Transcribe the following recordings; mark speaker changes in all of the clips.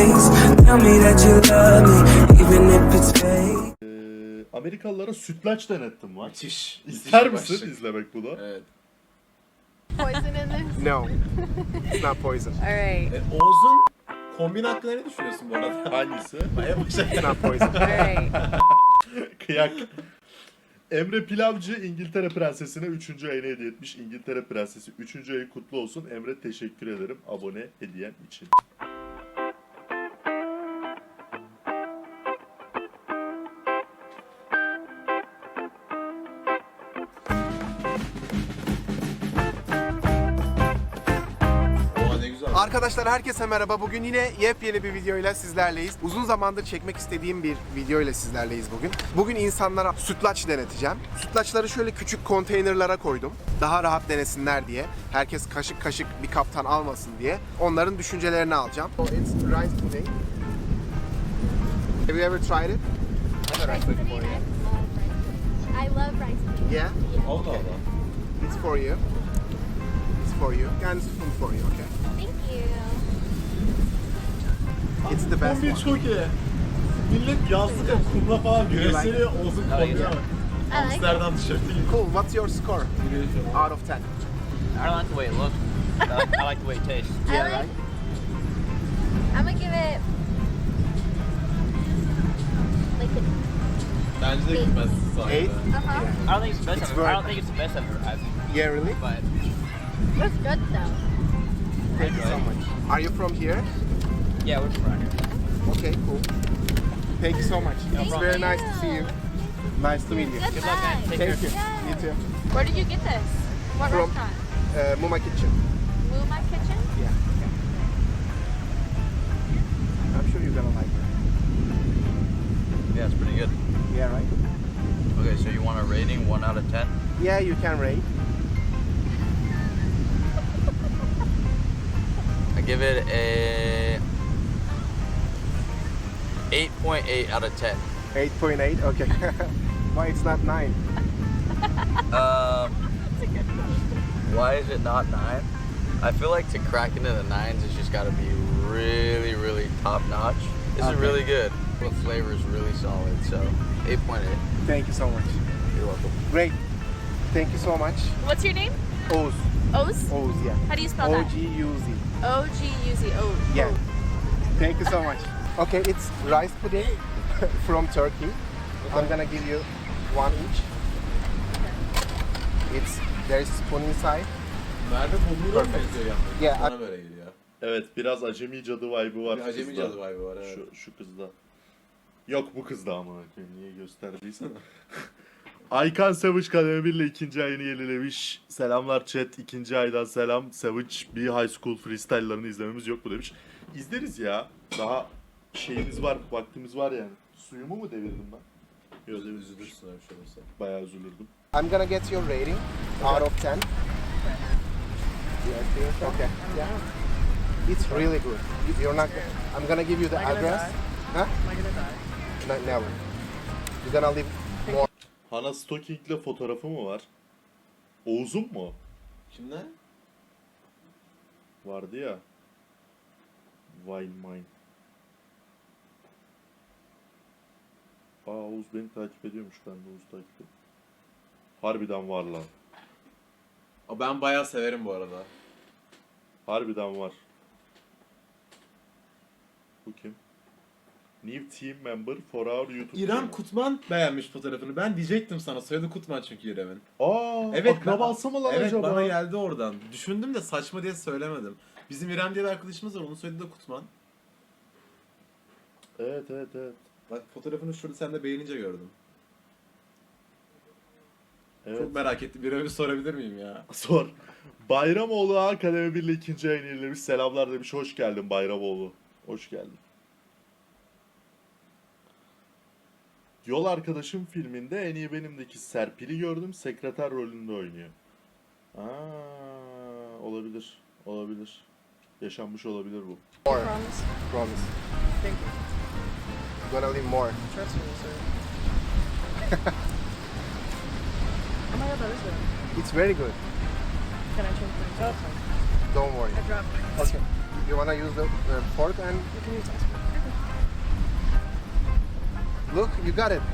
Speaker 1: face. Tell me that you love me, even if it's fake.
Speaker 2: Amerikalılara sütlaç denettim var.
Speaker 3: Müthiş.
Speaker 2: İster
Speaker 3: Müthiş
Speaker 2: misin
Speaker 3: başlık.
Speaker 2: izlemek bunu?
Speaker 3: Evet.
Speaker 4: Poison in this?
Speaker 5: No, it's not poison.
Speaker 4: Alright.
Speaker 3: Oğuz'un kombin hakkında ne düşünüyorsun bu arada?
Speaker 2: Hangisi?
Speaker 3: Baya başarılı.
Speaker 5: It's not poison.
Speaker 4: Alright.
Speaker 2: Kıyak. Emre Pilavcı İngiltere Prensesi'ne 3. ayını hediye etmiş. İngiltere Prensesi 3. ayı kutlu olsun. Emre teşekkür ederim abone hediyen için.
Speaker 3: Oha ne güzel.
Speaker 5: Arkadaşlar herkese merhaba. Bugün yine yepyeni bir videoyla sizlerleyiz. Uzun zamandır çekmek istediğim bir videoyla sizlerleyiz bugün. Bugün insanlara sütlaç deneteceğim. Sütlaçları şöyle küçük konteynerlara koydum. Daha rahat denesinler diye. Herkes kaşık kaşık bir kaptan almasın diye. Onların düşüncelerini alacağım. It's rice pudding. Have you ever tried it?
Speaker 4: Rice pudding. I love rice pudding.
Speaker 5: Yeah?
Speaker 3: Allah Allah.
Speaker 5: It's for you. It's for you. And spoon for you, okay?
Speaker 4: Thank you.
Speaker 5: It's the best
Speaker 3: Kombin
Speaker 5: one.
Speaker 3: çok iyi. Millet yazlık ya kumla falan gösteriyor. Oğuz'un kombine bak. Amsterdam tişörtü gibi.
Speaker 5: Cool. What's your score out of 10?
Speaker 6: I don't like the way it looks. I like the way it tastes.
Speaker 4: I like. I'm gonna give it like
Speaker 3: Bence de gitmez.
Speaker 5: 8?
Speaker 4: a. Uh-huh.
Speaker 6: I don't think it's the best
Speaker 5: It's
Speaker 6: ever. I
Speaker 5: very-
Speaker 6: don't think it's the best ever.
Speaker 5: Yeah, really?
Speaker 6: But
Speaker 4: It's good though.
Speaker 5: Thank you so much. Are you from here?
Speaker 6: yeah, we're from around here.
Speaker 5: Okay, cool. Thank you so much. It's
Speaker 4: Thank
Speaker 5: very
Speaker 4: you.
Speaker 5: nice to see you. Nice to meet you.
Speaker 4: Good
Speaker 6: luck, man.
Speaker 4: luck.
Speaker 6: Take
Speaker 5: Thank you.
Speaker 4: Yeah.
Speaker 5: You too.
Speaker 4: Where did you get this? What
Speaker 5: From-
Speaker 4: restaurant?
Speaker 5: Muma Kitchen.
Speaker 4: Muma Kitchen?
Speaker 5: Yeah. I'm sure you're gonna like it.
Speaker 6: Yeah, it's pretty good.
Speaker 5: Yeah, right?
Speaker 6: Okay, so you want a rating 1 out of 10?
Speaker 5: Yeah, you can rate.
Speaker 6: I give it a 8.8 out of 10.
Speaker 5: 8.8. Okay. Why it's not 9?
Speaker 6: Why is it not 9? I feel like to crack into the 9s, it's just got to be really, really top notch. This is
Speaker 5: Okay.
Speaker 6: really good. The flavor is really solid, so 8.8.
Speaker 5: Thank you so much.
Speaker 6: You're welcome.
Speaker 5: Great. Thank you so much.
Speaker 7: What's your name?
Speaker 5: Oz.
Speaker 7: Oz?
Speaker 5: Oz, yeah.
Speaker 7: How do you spell that?
Speaker 5: O-G-U-Z.
Speaker 7: O-G-U-Z. Oh.
Speaker 5: Yeah. Thank you so much. Okay, it's rice pudding from Turkey. I'm gonna give you one each. There's spoon inside.
Speaker 3: Merve Bulur'a mı
Speaker 5: Perfect.
Speaker 3: benziyor yalnız?
Speaker 5: Yeah,
Speaker 3: Bana böyle geliyor.
Speaker 2: Evet biraz acemi cadı vibe'ı var
Speaker 3: Bir acemi
Speaker 2: kızda.
Speaker 3: cadı vibe'ı var, evet.
Speaker 2: Şu kızda. Yok bu kızda ama niye gösterdiysen. Aykan Savage Kademe 1 ile 2. ayını yenilemiş. Selamlar chat. 2. aydan selam. Savage bir High School freestyle'larını izlememiz yok mu demiş. İzleriz ya. Daha şeyimiz var, vaktimiz var yani. Suyumu mu devirdim ben? Yok devirdim.
Speaker 3: Üzülürsün öyle bir şey olursa.
Speaker 2: Bayağı üzülürdüm.
Speaker 5: I'm gonna get your rating out of 10. Okay. Yeah. It's really good. You're not. I'm gonna give you the address. Huh?
Speaker 7: Am I gonna die?
Speaker 5: No, never. You're gonna live more.
Speaker 2: Hana Stocking'le fotoğrafı mı var? Oğuz'un mu?
Speaker 3: Kimler?
Speaker 2: Vardı ya. Wine Mine. Oğuz beni takip ediyormuş. Ben de Oğuz'u takip ediyorum. Harbiden var lan.
Speaker 3: Ben bayağı severim bu arada.
Speaker 2: Harbiden var. Bu kim? New team member for our YouTube
Speaker 3: İrem
Speaker 2: channel.
Speaker 3: Kutman beğenmiş fotoğrafını. Ben diyecektim sana. Soyadı Kutman çünkü İrem'in.
Speaker 2: Aa,
Speaker 3: Evet,
Speaker 2: akrabası mı lan
Speaker 3: evet,
Speaker 2: acaba?
Speaker 3: bana geldi oradan. Düşündüm de saçma diye söylemedim. Bizim İrem diye bir arkadaşımız var. Onun soyadı da Kutman.
Speaker 2: Evet.
Speaker 3: Bak fotoğrafını şurada sen de beğenince gördüm.
Speaker 2: Evet.
Speaker 3: Çok merak ettim. İrem'i sorabilir miyim ya?
Speaker 2: Sor. Bayramoğlu Akademi 1 ile 2. ayını yenilemiş. Selamlar demiş. Hoş geldin Bayramoğlu. Hoş geldin. Yol Arkadaşım filminde En iyi Benim'deki Serpil'i gördüm. Sekreter rolünde oynuyor. Olabilir. Olabilir. Yaşanmış olabilir bu.
Speaker 5: More.
Speaker 7: Promise.
Speaker 5: Promise.
Speaker 7: Thank you.
Speaker 5: You're gonna live more.
Speaker 7: Trust me, sir. Oh my god, that is good.
Speaker 5: It's very good.
Speaker 7: Can I change my top?
Speaker 5: Don't worry.
Speaker 7: I dropped mine.
Speaker 5: Okay. You wanna use the fork and
Speaker 7: You can use that.
Speaker 5: look, you got it.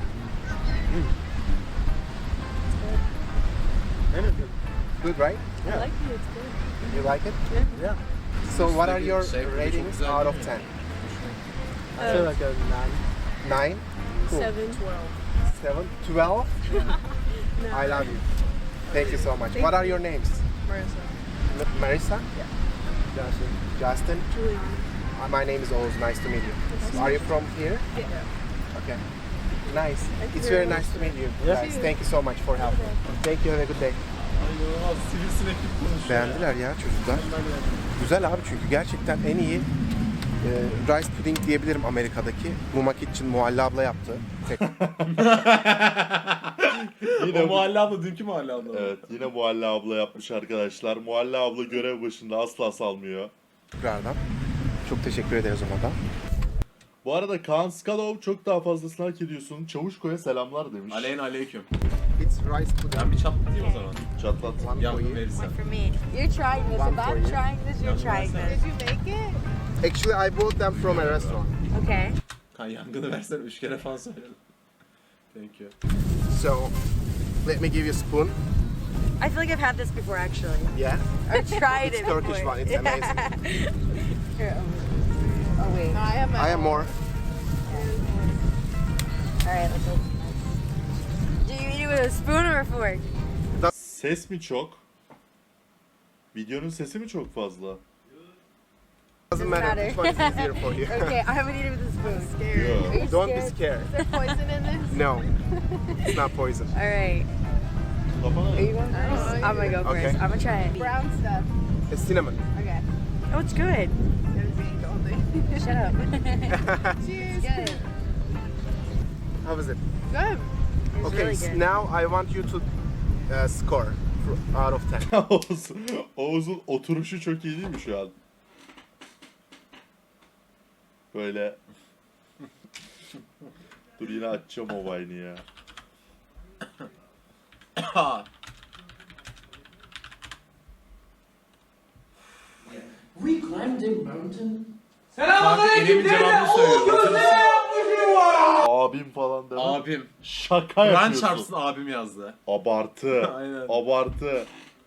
Speaker 5: Good, right?
Speaker 7: I like it. It's good.
Speaker 5: You like it?
Speaker 3: Yeah.
Speaker 5: So what are your
Speaker 3: Şey, çok
Speaker 5: ratings
Speaker 3: güzel
Speaker 5: out of
Speaker 3: değil
Speaker 5: 10?
Speaker 3: I feel like a
Speaker 5: 9? Cool.
Speaker 7: 7, 12.
Speaker 5: 7? 12? I love you. Thank you so much. What are your names?
Speaker 7: Marissa.
Speaker 5: Marissa?
Speaker 7: Yeah.
Speaker 5: Justin?
Speaker 7: Julie.
Speaker 5: My name is Oğuz. Nice to meet you. Are you from here?
Speaker 7: Yeah.
Speaker 5: Okay. Nice.
Speaker 7: you
Speaker 5: It's
Speaker 7: very
Speaker 5: very nice to meet you.
Speaker 3: Yeah.
Speaker 5: Guys, thank you so much for helping. Thank you. Have a good day.
Speaker 3: İnanılmaz sivrisineklik konuşuyor.
Speaker 5: Beğendiler ya çocuklar. Güzel abi çünkü gerçekten en iyi rice pudding diyebilirim Amerika'daki. Muma Kitchen Muhalle abla yaptı.
Speaker 3: O Muhalle abla dünkü Muhalle abla.
Speaker 2: Evet, yine Muhalle abla yapmış arkadaşlar. Muhalle abla görev başında asla salmıyor.
Speaker 5: Tekrardan. Çok teşekkür ederiz ona da.
Speaker 2: Bu arada Kaan Skalov çok daha fazlasını hak ediyorsun. Çavuşko'ya selamlar demiş.
Speaker 3: Aleyküm.
Speaker 5: It's rice pudding.
Speaker 3: Ben bir çatlatayım o zaman.
Speaker 2: Çatlat.
Speaker 5: One for
Speaker 3: Yangın
Speaker 5: you.
Speaker 3: verirsen.
Speaker 7: For me. You're trying this.
Speaker 5: One
Speaker 7: If
Speaker 5: for
Speaker 7: I'm
Speaker 5: you.
Speaker 7: trying this, you're trying this.
Speaker 4: Did you make it?
Speaker 5: Actually, I bought them from a restaurant.
Speaker 7: Okay.
Speaker 3: Kan yangını versen 3 kere falan söyledim. Thank you.
Speaker 5: So, let me give you a spoon.
Speaker 7: I feel like I've had this before, actually.
Speaker 5: Yeah.
Speaker 7: I've tried
Speaker 5: It's
Speaker 7: it
Speaker 5: Turkish
Speaker 7: before.
Speaker 5: one. It's amazing.
Speaker 7: Here, oh wait.
Speaker 4: No, I have my
Speaker 5: I have
Speaker 4: own.
Speaker 5: more.
Speaker 7: Alright, let's open it. Do you eat it with a spoon or a fork?
Speaker 2: Ses mi çok? Videonun sesi mi çok fazla?
Speaker 5: Doesn't matter which one is easier for you.
Speaker 7: Okay, I'm gonna eat it with a spoon.
Speaker 4: Scared.
Speaker 2: Yo.
Speaker 7: Are you
Speaker 5: Don't be
Speaker 7: scared?
Speaker 5: scared.
Speaker 4: Is there poison in this?
Speaker 5: No, it's not poison.
Speaker 7: Alright.
Speaker 2: Kafana
Speaker 7: Are you going first? I'm gonna go
Speaker 5: Okay.
Speaker 7: first. I'm gonna try it.
Speaker 4: Brown stuff.
Speaker 5: It's cinnamon.
Speaker 4: Okay.
Speaker 7: Oh, it's good.
Speaker 4: Everything only.
Speaker 7: Shut up.
Speaker 4: Cheers.
Speaker 7: Good.
Speaker 5: How is it?
Speaker 4: Good.
Speaker 7: It's
Speaker 5: Okay,
Speaker 7: really good.
Speaker 5: now I want you to score out of 10.
Speaker 2: Oğuz'un oturuşu çok iyi değil mi şu an? Böyle. Dur yine açacağım o Vine'i ya.
Speaker 8: We climbed a mountain.
Speaker 3: Kanka İrem'in cevabını söylüyorum.
Speaker 2: Abim falan deme.
Speaker 3: Abim.
Speaker 2: Şaka
Speaker 3: Kur'an
Speaker 2: yapıyorsun.
Speaker 3: çarpsın abim yazdı.
Speaker 2: Abartı.
Speaker 3: Aynen.
Speaker 2: Abartı.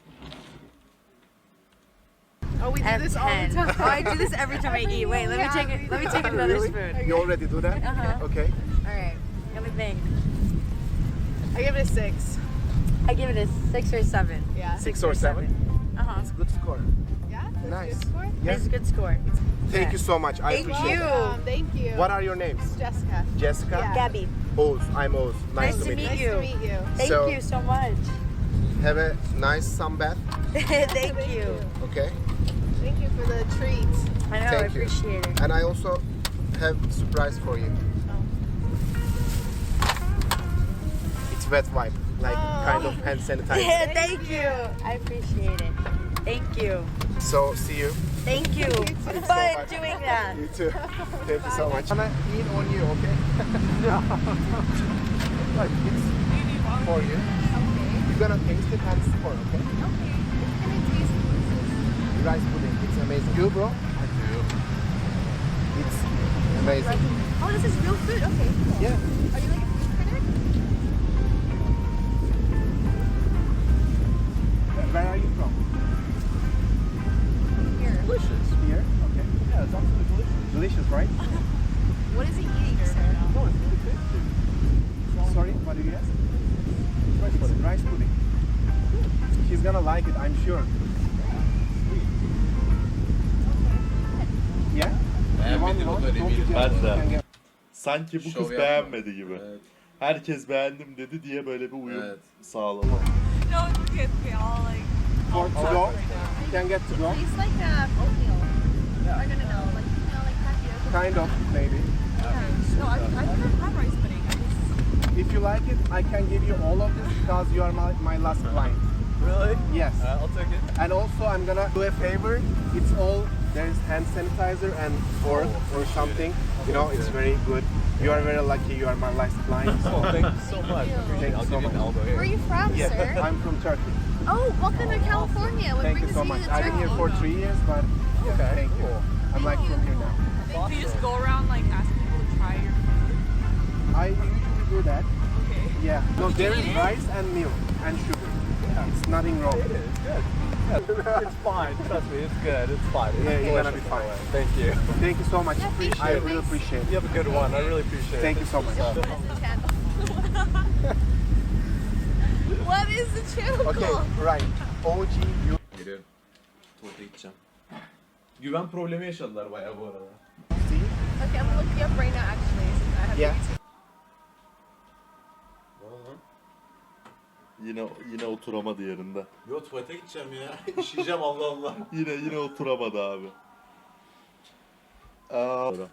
Speaker 4: Oh, we do
Speaker 7: And
Speaker 4: this all the
Speaker 7: 10.
Speaker 4: time.
Speaker 7: Oh, I do this every time I eat. Wait, let me take it. Let me take another
Speaker 5: Really?
Speaker 7: spoon.
Speaker 5: You already do that?
Speaker 7: Uh-huh.
Speaker 5: Okay.
Speaker 7: Alright. Let me think.
Speaker 4: I give it a 6.
Speaker 7: I give it a 6 or 7.
Speaker 4: Yeah.
Speaker 5: 6 or 7?
Speaker 7: Uh-huh.
Speaker 5: Good score.
Speaker 4: Yeah? That's a
Speaker 5: Nice.
Speaker 4: good score?
Speaker 5: Yeah.
Speaker 7: It's a good score.
Speaker 5: Thank you so much. I
Speaker 7: Thank
Speaker 5: appreciate
Speaker 7: you.
Speaker 5: it.
Speaker 4: Thank you.
Speaker 5: What are your names?
Speaker 4: Jessica.
Speaker 5: Jessica?
Speaker 4: Yeah.
Speaker 7: Gabby.
Speaker 5: Oğuz. I'm Oğuz. Nice to meet you.
Speaker 4: Nice
Speaker 7: you.
Speaker 4: to meet you.
Speaker 7: Thank
Speaker 5: So-
Speaker 7: you so much.
Speaker 5: Have a nice sunbath.
Speaker 7: Thank you.
Speaker 5: Okay.
Speaker 4: Thank you for the treats.
Speaker 7: I know, I
Speaker 5: Thank you.
Speaker 7: appreciate it.
Speaker 5: And I also have surprise for you. It's wet wipe, like kind of hand sanitizer.
Speaker 7: Thank you. I appreciate it. Thank you.
Speaker 5: So see you.
Speaker 7: Thank you. Fun doing that.
Speaker 5: You too. Thank you so much. I'm gonna eat on you, okay? Look, it's for you. You're gonna taste it and score, okay? Rice pudding, it's amazing. You, bro? I do. It's amazing.
Speaker 4: Oh, this is real food? Okay. Cool.
Speaker 5: Yeah.
Speaker 4: Are you like a food critic?
Speaker 5: Where are you from?
Speaker 4: Here.
Speaker 5: Delicious. Here? Okay. Yeah, it's absolutely delicious. Delicious, right?
Speaker 4: What is he eating, sir?
Speaker 5: No, it's really tasty. Sorry, what did you ask? It's rice pudding. She's gonna like it, I'm sure. Yeah? You want
Speaker 3: Beğenmedin o
Speaker 5: more?
Speaker 3: da
Speaker 5: Don't
Speaker 3: eminim.
Speaker 5: be
Speaker 2: Ben
Speaker 5: jealous.
Speaker 2: de.
Speaker 5: You can get-
Speaker 2: Sanki bu
Speaker 3: Şov
Speaker 2: kız
Speaker 3: yapma.
Speaker 2: beğenmedi gibi.
Speaker 3: Evet.
Speaker 2: Herkes beğendim dedi diye böyle bir uyum
Speaker 3: Evet.
Speaker 2: sağladı.
Speaker 7: No, look at me all like.
Speaker 5: For to go, you can get to go.
Speaker 4: It's like oatmeal. Yeah. Or no, like, tapioca.
Speaker 5: Kind of, maybe.
Speaker 7: No, I've never had rice pudding.
Speaker 5: If you like it, I can give you all of this because you are my last client.
Speaker 3: Really?
Speaker 5: Yes.
Speaker 3: I'll take it.
Speaker 5: And also I'm gonna do a favor. It's all, there's hand sanitizer and fork or something. You know, it's very good. You are very lucky you are my last client.
Speaker 3: Oh, thank you so much.
Speaker 5: Thank you
Speaker 3: I'll
Speaker 5: so
Speaker 3: give you an
Speaker 5: much.
Speaker 3: elbow
Speaker 4: Where are
Speaker 3: here.
Speaker 4: you from,
Speaker 5: Yeah,
Speaker 4: sir?
Speaker 5: I'm from Turkey.
Speaker 4: Oh, welcome to California. What
Speaker 5: Thank you
Speaker 4: brings
Speaker 5: so
Speaker 4: you
Speaker 5: much.
Speaker 4: to
Speaker 5: I've been here
Speaker 4: Turkey?
Speaker 5: for 3 years, but thank you. I'm like from here now.
Speaker 7: Do you just go around like asking people to try your food?
Speaker 5: I usually do that.
Speaker 7: Okay.
Speaker 5: Yeah. No, there is rice and milk and sugar. Yeah. It's nothing wrong.
Speaker 3: It is good. It's fine. Trust me, it's good. It's fine. It's
Speaker 5: Yeah, you're gonna be
Speaker 3: delicious,
Speaker 5: fine.
Speaker 3: by the way. Thank you.
Speaker 5: Thank you so much.
Speaker 4: Yeah, thank
Speaker 5: I
Speaker 4: you.
Speaker 5: really appreciate it.
Speaker 3: You have a good one. I really appreciate
Speaker 5: Thank
Speaker 3: it.
Speaker 5: you so much.
Speaker 4: What is the channel? What is the channel
Speaker 5: Okay,
Speaker 4: called?
Speaker 5: right. OG you.
Speaker 3: Geliyorum. Tuvalete gideceğim. Güven problemi yaşadılar bayağı bu arada.
Speaker 5: See?
Speaker 4: Okay, I'm gonna look you up right now actually. Since I have
Speaker 5: Yeah.
Speaker 2: Yine oturamadı yerinde.
Speaker 3: Yo tuvalete gideceğim ya. İşeyeceğim Allah Allah.
Speaker 2: Yine oturamadı abi. Aa.
Speaker 4: OG,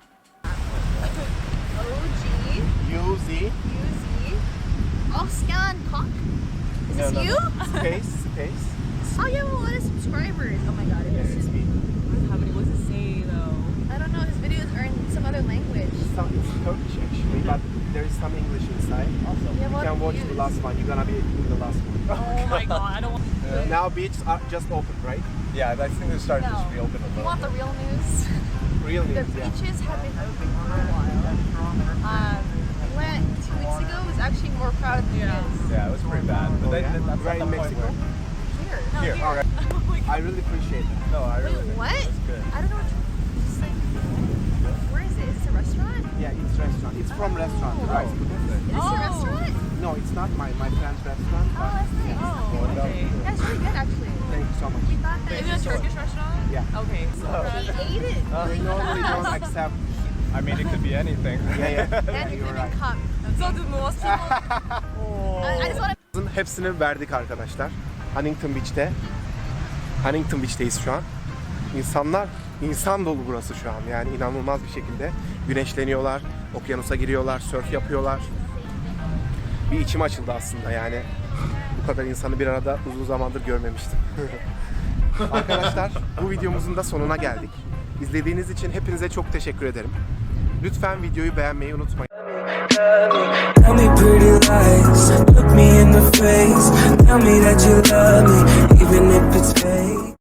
Speaker 5: UZ.
Speaker 4: UZ, Oscan Cock. Is this
Speaker 5: No.
Speaker 4: you?
Speaker 5: Space.
Speaker 4: Oh, you have a lot of subscribers. Oh my god, it
Speaker 5: Yeah,
Speaker 4: is.
Speaker 5: it's me.
Speaker 7: How many was it say though?
Speaker 4: I don't know, his videos are in some other language.
Speaker 5: It's Turkish actually, but there is some English inside.
Speaker 4: You have a
Speaker 5: You
Speaker 4: lot
Speaker 5: can
Speaker 4: of
Speaker 5: watch
Speaker 4: views.
Speaker 5: the last one. You're gonna be in the last one.
Speaker 7: Oh my god, I don't want
Speaker 5: Now beaches are just open, right?
Speaker 3: Yeah, I think they're starting to
Speaker 4: No.
Speaker 3: just reopen a
Speaker 4: You
Speaker 3: little.
Speaker 4: want the real news?
Speaker 5: Real
Speaker 4: The
Speaker 5: news, yeah.
Speaker 4: beaches have been open for a while. We went 2 weeks ago. It was actually more crowded than it is.
Speaker 3: Yeah, it was pretty bad. But
Speaker 5: Oh,
Speaker 3: then,
Speaker 5: yeah?
Speaker 3: that's
Speaker 5: Right
Speaker 3: not
Speaker 5: in
Speaker 3: the point
Speaker 5: Mexico?
Speaker 3: where...
Speaker 4: Here.
Speaker 3: Here, alright.
Speaker 5: I really appreciate it.
Speaker 3: No, I really
Speaker 4: Wait, what?
Speaker 3: It's good.
Speaker 4: I don't know what you're just like. Where is it? Is it a restaurant?
Speaker 5: Yeah, it's restaurant. It's from restaurant, right?
Speaker 4: Is this a restaurant?
Speaker 5: No, it's not my friend's restaurant.
Speaker 4: Oh, that's nice.
Speaker 7: Oh, okay.
Speaker 4: That's really good, actually.
Speaker 5: Thank you so much.
Speaker 4: We thought that
Speaker 7: Is it a Turkish restaurant?
Speaker 5: Yeah.
Speaker 7: Okay.
Speaker 4: he ate it.
Speaker 5: We normally don't accept.
Speaker 3: I mean, it could be anything.
Speaker 5: Yeah.
Speaker 4: And he
Speaker 5: you're
Speaker 4: didn't
Speaker 5: right.
Speaker 4: come.
Speaker 7: So the most
Speaker 4: I just want to.
Speaker 5: Hepsini verdik arkadaşlar. Huntington Beach'te. Huntington Beach'teyiz şu an. İnsan dolu burası şu an. Yani inanılmaz bir şekilde güneşleniyorlar, okyanusa giriyorlar, sörf yapıyorlar. Bir içim açıldı aslında yani. Bu kadar insanı bir arada uzun zamandır görmemiştim. Arkadaşlar, bu videomuzun da sonuna geldik. İzlediğiniz için hepinize çok teşekkür ederim. Lütfen videoyu beğenmeyi unutmayın.
Speaker 1: Tell me pretty lies, look me in the face. Tell me that you love me, even if it's fake.